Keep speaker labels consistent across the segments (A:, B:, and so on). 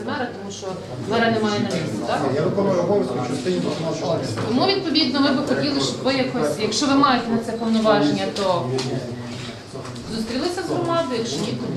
A: мера, тому що мера немає на місці, так?
B: Я виконую обов'язки в частині виконавчого листу.
A: Тому, відповідно, ми би хотіли, щоб ви якось, якщо ви маєте на це повноваження, то зустрілися з громадою, якщо ні, то ні.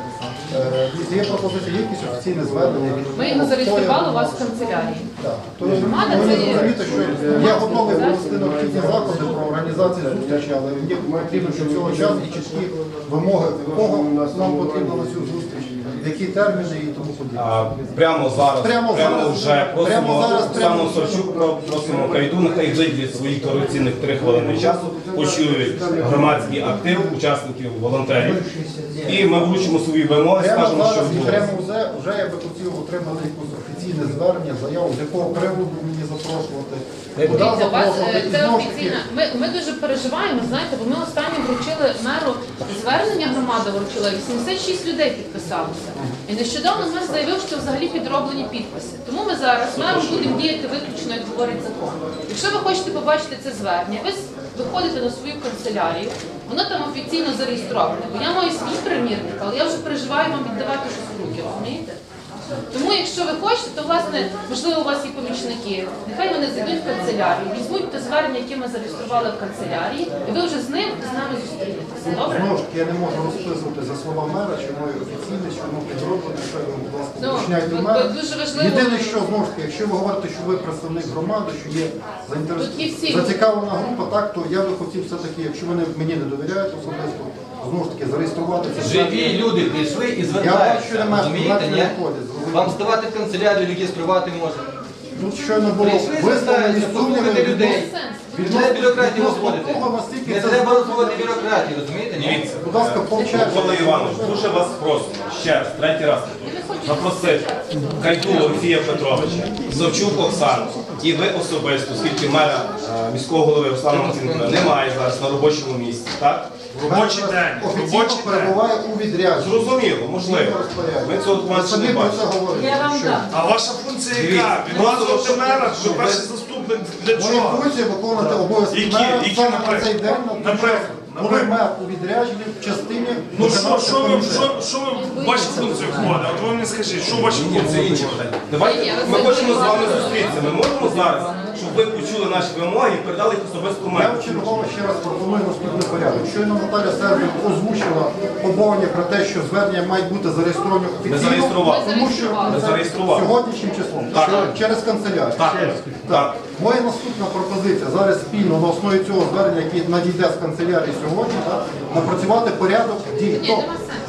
B: Є пропозиція, є якісь офіційне звернення?
A: Ми його зареєстрували у вас в канцелярії.
B: Так.
A: Громада
B: Ви
A: це є-
B: розумієте, що я готовий провести необхідні заходи про організацію зустрічі, але мені потрібно, щоб цього часу і чіткі вимоги, кого нам потрібно на цю зустріч, які терміни і тому подібне.
C: Прямо зараз,
B: Прямо
C: вже просимо
B: зараз,
C: Оксану Савчук, просимо Кайду, нехай виділять своїх дорогоцінних 3 хвилини часу, почують громадський актив, учасників, волонтерів. І ми вручимо свої вимоги, скажемо, що
B: Прямо
C: відбулося.
B: вже я би хотів отримати якусь офіційне звернення, заяву, з якого приводу мені запрошувати. Куди
A: Дивіться, у вас
B: запрошувати. І
A: це
B: знову ж таки,
A: офіційно. Ми дуже переживаємо, знаєте, бо ми останнє вручили меру звернення, громада вручила, 86 людей підписалося. І нещодавно мер заявив, що взагалі підроблені підписи. Тому ми зараз мером будемо діяти виключно, як говорить закон. Якщо ви хочете побачити це звернення, ви виходите на свою канцелярію, воно там офіційно зареєстроване. Бо я маю свій примірник, але я вже переживаю вам віддавати щось в руки, розумієте? Тому, якщо ви хочете, то, власне, можливо, у вас є помічники, нехай вони зайдуть в канцелярію, візьмуть те звернення, яке ми зареєстрували в канцелярії, і ви вже з ним з нами зустрінетеся. Добре?
B: знову ж таки, я не можу розписувати за слова мера, чи воно офіційне, чи воно підроблено, що ви, будь ласка,
A: Ну,
B: уточняйте
A: от
B: мера.
A: дуже важливо.
B: Єдине, що, знову ж таки, якщо ви говорите, що ви представник громади, що є
A: Тут є всі.
B: зацікавлена група, так, то я би хотів все-таки, якщо ви мені не довіряєте особисто, знову ж таки, зареєструвати це.
D: Живі люди прийшли і
B: Я бачу,
D: звертаються,
B: що немає
D: розумієте, ні?
B: виходить.
D: Вам здавати в канцелярію, реєструвати можна.
B: Тут щойно було
D: Прийшли,
B: висловлені
D: звертаються,
B: сумніви
D: послухати людей.
A: Сенс.
D: Не треба бюрократію
B: відносно
D: розводити.
B: того, наскільки
D: Не
B: це
D: треба
B: зроблено.
D: розводити бюрократію, розумієте? ні?
C: Дивіться,
B: Будь ласка, повчайте.
C: Микола Іванович, дуже вас просимо, ще раз, третій раз, запросити Кайду Олексія Петровича, Савчук Оксану і ви особисто, оскільки мера міського голови Руслана Марцинкіна немає зараз на робочому місці, так?
E: Робочий день.
B: Офіційно перебуває у відрядженні.
C: Зрозуміло, можливо. Ми цього
B: Ви
C: документу
B: самі
C: не
B: про
C: бачимо.
B: це говорите.
A: Я вам
B: Що?
A: дам.
E: А ваша функція яка?
C: Дивіться,
E: Відмазувати мера, що
C: ви-
E: перший заступник для
B: Моя
E: чого?
B: функція виконувати обов'язки
E: Які?
B: мера
E: Які,
B: саме на
E: наприклад?
B: цей день,
E: Наприклад?
B: коли мер у відрядженні в частині
E: Ну що
B: виконавчого
E: ви
B: комітету.
E: в ваші функції входить? От ви мені скажіть, що в ваші
C: Ні, це
E: функції
C: інше
E: входить?
C: питання. Давайте ми хочемо з вами зустрітися. Ми можемо зараз, щоб ви почули наші вимоги і передали їх особисто
B: Я
C: меру.
B: вчергово ще раз пропоную наступний порядок. Щойно Наталя Сербів озвучила побоювання про те, що звернення мають бути зареєстровані офіційно,
C: зареєстрували.
B: тому що
C: Ми зареєстрували.
B: сьогоднішнім числом,
C: Так.
B: через канцелярію.
C: Так.
B: Моя наступна пропозиція зараз спільно на основі цього звернення, яке надійде з канцелярії сьогодні, так, напрацювати порядок дій.
A: Ні,
B: Тобто,
A: нема сенсу.